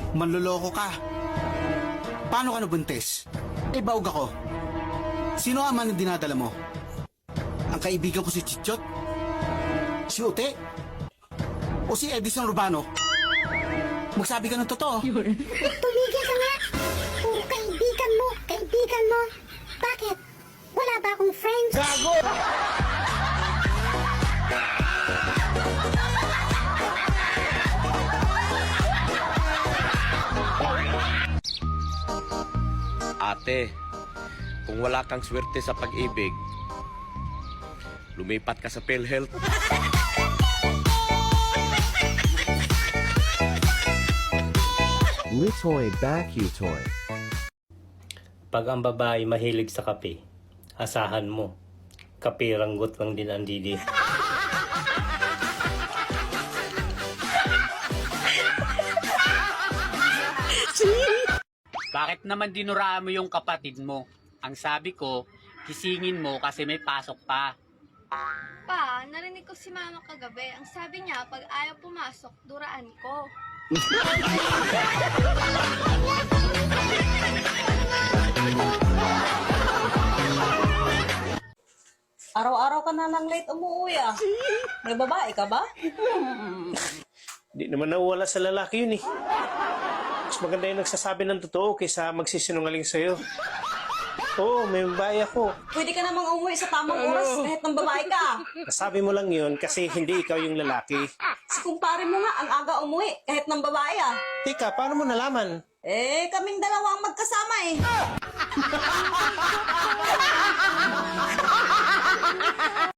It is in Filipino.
Manloloko ka. Paano ka nabuntis? Eh, baog ako. Sino ang man ang dinadala mo? Ang kaibigan ko si Chichot? Si Ute? O si Edison Urbano? Magsabi ka ng totoo. Tumigil ka nga! Puro kaibigan mo! Kaibigan mo! Bakit? Wala ba akong friends? Gago! Ate, kung wala kang swerte sa pag-ibig, lumipat ka sa PhilHealth. Litoy Bakutoy. Pag ang babae mahilig sa kape, asahan mo, kape ranggot lang din ang didi. Bakit naman dinuraan mo yung kapatid mo? Ang sabi ko, kisingin mo kasi may pasok pa. Pa, narinig ko si mama kagabi. Ang sabi niya, pag ayaw pumasok, duraan ko. Araw-araw ka na lang late umuwi ah. May babae ka ba? Di naman nawala sa lalaki yun eh. Mas maganda yung nagsasabi ng totoo kaysa magsisinungaling sa'yo. Oo, may babae ako. Pwede ka namang umuwi sa tamang oras kahit ng babae ka. Nasabi mo lang yun kasi hindi ikaw yung lalaki. Si kumpare mo nga ang aga umuwi kahit ng babae ah. Tika, paano mo nalaman? Eh, kaming dalawa ang magkasama eh.